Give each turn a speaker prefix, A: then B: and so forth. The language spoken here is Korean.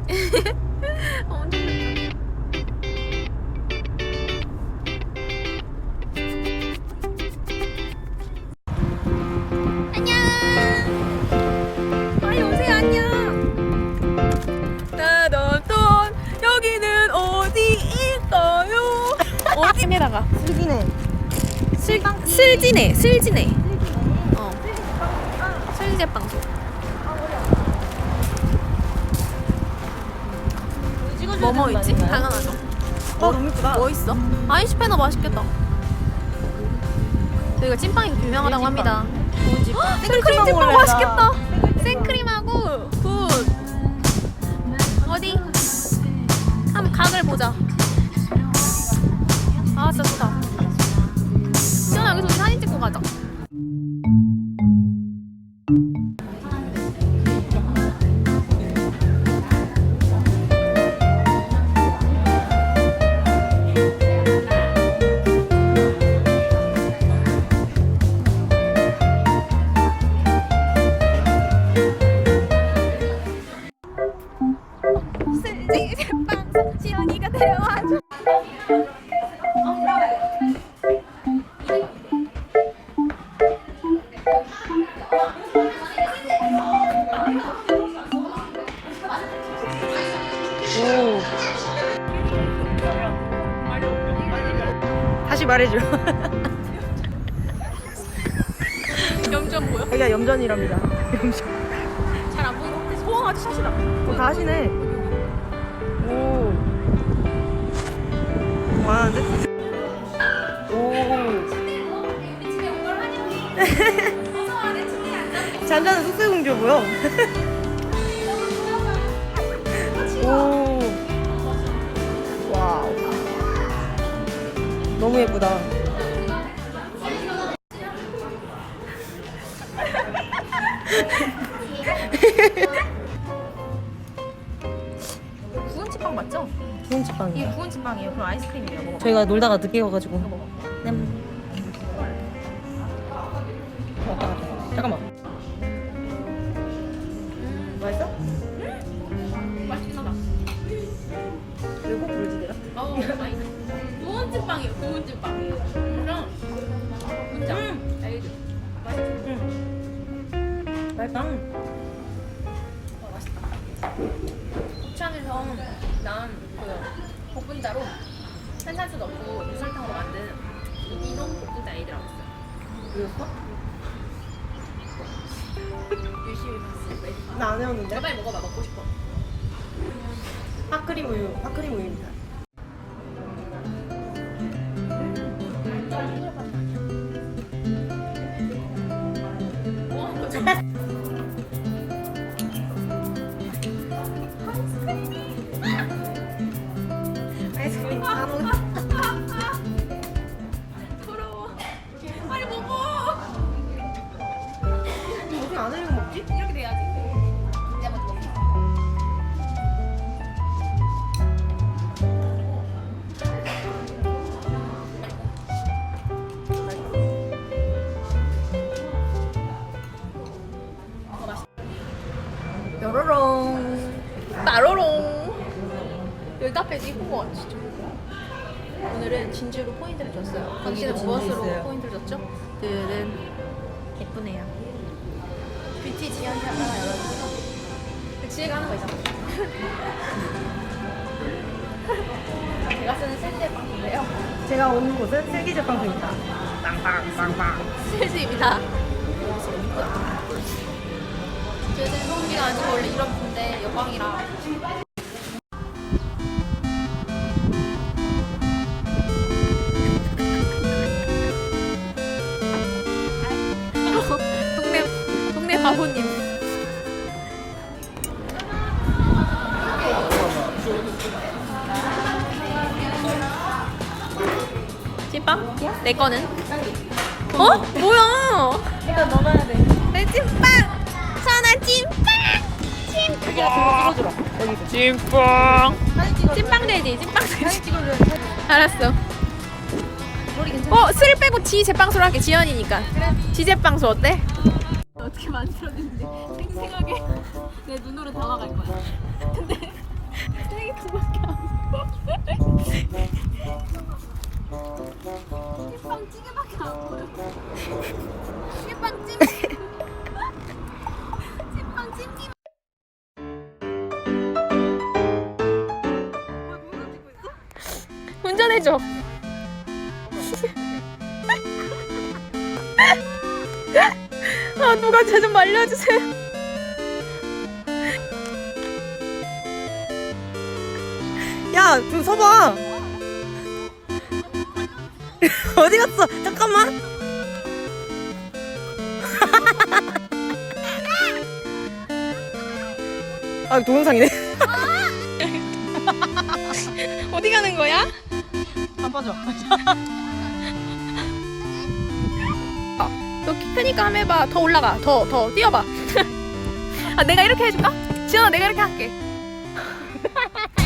A: 엄청 좋다. 안녕. 빨리 오세요. 안녕. 따던돈 여기는 어디일까요? 어디에다가
B: 슬기네.
A: 슬지네. 슬제빵소. 뭐뭐 있지? 당연하죠.
B: 너무 이쁘다.
A: 뭐 있어? 아인슈페너 맛있겠다. 저희가 찐빵이 유명하다고 합니다.
B: 좋은 집.
A: 생크림 찐빵 맛있겠다. 생크림하고 굿. 어디? 한번 각을 보자. 아 진짜 좋다. 시원아 여기서 우리 사진 찍고 가자. 슬지 제빵소 시원이가 데려와줘.
B: 다시 말해줘.
A: 염전 보여?
B: 여기가 염전이랍니다. 염전.
A: 잘 안 보이는 것 같아. 소원아지 샷이다.
B: 다 하시네. 오. 많은데? 오. 잔잔한 숙세공주 보여. 오. 와우. 너무 예쁘다.
A: 구운 찐빵 맞죠?
B: 좋은
A: 이게
B: 집빵이야.
A: 구운 찐빵이에요. 그럼 아이스크림이에요. 먹어.
B: 저희가 놀다가 늦게 와가지고. 네. 잠깐만. 맛있어?
A: 맛있긴 하다.
B: 그리고 불지대라.
A: 구운 찐빵이에요. 구운 찐빵. 그냥 문자. 알죠? 맛있지?
B: 맛있다.
A: 맛있다. 부천에서 난그 볶음자로 탄산수 넣고 유설탕으로 만든 이동 볶음자 에이드라고 있어요.
B: 그랬어?
A: 열심히 봤어.
B: 나 안 해왔는데?
A: 빨리 먹어봐. 먹고 싶어.
B: 핫크림 우유. 핫크림 우유입니다. 아이스크림 다 먹어.
A: 부러워. 빨리 먹어.
B: 어떻게 안 해면 먹지?
A: 이렇게 돼야지. 내가 먼저 먹어. 뾰로롱 빠로롱. 여기 카페도 이쁜 거 같아 진짜. 오늘은 진주로 포인트를 줬어요. 당신은
B: 진주
A: 무엇으로
B: 있어요.
A: 포인트를 줬죠? 들은 예쁘네요. 뷰티 지연이 하나 열어주세요. 지혜가 하는 거 있잖아. 제가 쓰는 셀제 빵인데요.
B: 제가 온 곳은 슬기제빵소입니다. 빵빵빵빵.
A: 셀즈입니다. 저는 성기가 아니고 원래 이런 분데 여광이라. 동네 바보님. 찐빵? 내 거는? 어? 뭐야?
B: 이거 넣어야 돼.
A: 내 찐빵! 천아 찐빵! 찐빵!
B: 들어주라. 여기서.
A: 찐빵!
B: 사진 찍어.
A: 찐빵 돼지, 찐빵
B: 사진
A: 돼지.
B: 찍어줘야
A: 알았어.
B: 머리 괜찮아?
A: 스를 빼고 지 제빵소로 할게. 지연이니까. 그래. 지 제빵소 어때? 어떻게 만들었는지 생생하게 내 눈으로 담아갈 거야. 근데 운전해줘. 아, 누가 쟤 좀 말려주세요.
B: 야, 좀 서봐. 어디 갔어? 잠깐만. 아, 동영상이네.
A: 어디 가는 거야?
B: 안 빠져.
A: 너 키 크니까 한번 해봐. 더 올라가. 더 뛰어봐. 아, 내가 이렇게 해줄까? 지연아, 내가 이렇게 할게.